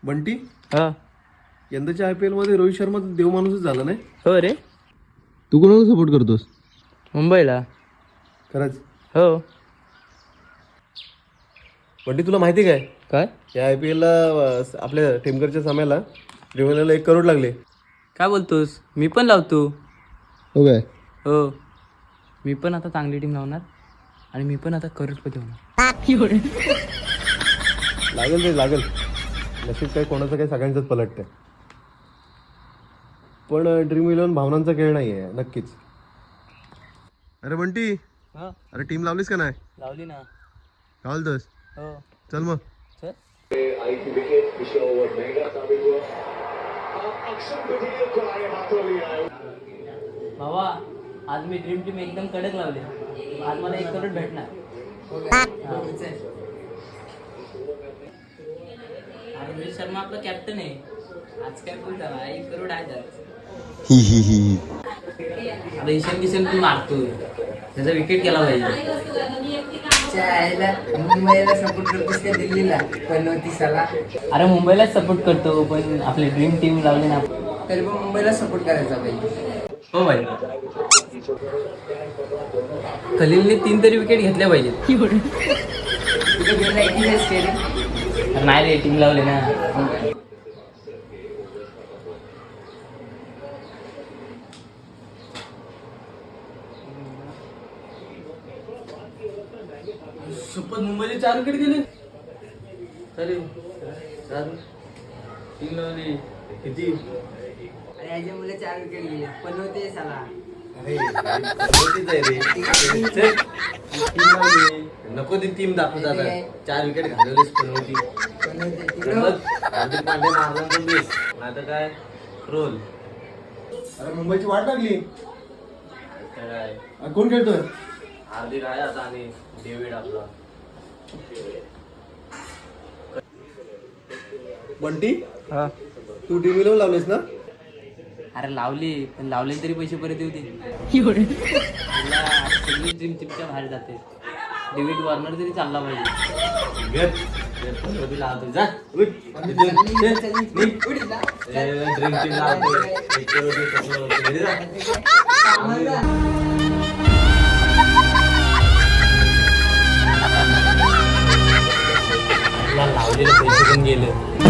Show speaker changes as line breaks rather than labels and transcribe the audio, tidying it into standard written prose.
बंटी,
हा
यंदाच्या IPL मध्ये रोहित शर्मा देवमाणूसच झाला नाही.
हो रे,
तू कोणाला सपोर्ट करतोस?
मुंबईला.
खरंच?
हो.
बंटी, तुला माहिती काय
काय
या IPL ला आपल्या टेमकरच्या सामन्याला ड्रीमला 1 करोड लागले.
काय बोलतोस? मी पण लावतो.
हो काय?
हो, मी पण आता चांगली टीम लावणार आणि मी पण आता करोडपती होणार.
लागेल रे लागेल. नशीब काय कोणाचं काय सगळ्यांचंच पलटतंय. पण ड्रीम 11 भावनांचा खेळ नाही आहे नक्कीच. अरे बंटी,
हा,
अरे टीम लावलीस का नाही?
लावली ना.
काय बोलतोस?
हो,
चल मग.
चल. भावा, आज मी ड्रीम टीम एकदम कडक लावली. आज मला 1 करोड भेटणार. अरे रोहित शर्मा आपला कॅप्टन आहे. आज काय बोल झाला, 1 करोड आहे त्यात. आता ईशान किशन तू मारतोय, त्याचा विकेट गेला पाहिजे.
मुंबईला सपोर्ट करतोस का दिल्लीला? पण
अरे मुंबईलाच सपोर्ट करतो, पण आपली ड्रीम टीम लावली ना.
तरी पण मुंबईला सपोर्ट करायचा पाहिजे.
हो भाई, खलीलने 3 तरी विकेट घेतल्या पाहिजेत.
तुझं गेला एकटीच स्टेडियम.
नाही रे, टीम लावली ना. शपथ, मुंबईचे 4 विकेट गेले. अरे टीम लावली किती?
आणि याच्या मुले 4 विकेट गेले. पण होते साला.
नको ती टीम दाखवत आता. 4 विकेट घालवलीस पण होती. हार्दिक पांड्या मारला तर बेस, नाही तर काय रोल. अरे मुंबईची वाट लागली. कोण खेळतोय? हार्दिक आहे आता आणि डेव्हिड आपला. बंटी,
हा,
तू टीम 11 लावलीस ना?
अरे लावली, पण लावले तरी पैसे परत येऊ दे. सगळी टीम टीमच्या बाहेर जाते. डेव्हिड वॉर्नर तरी चालला पाहिजे.
जा
लावलेले पैसे पण गेले.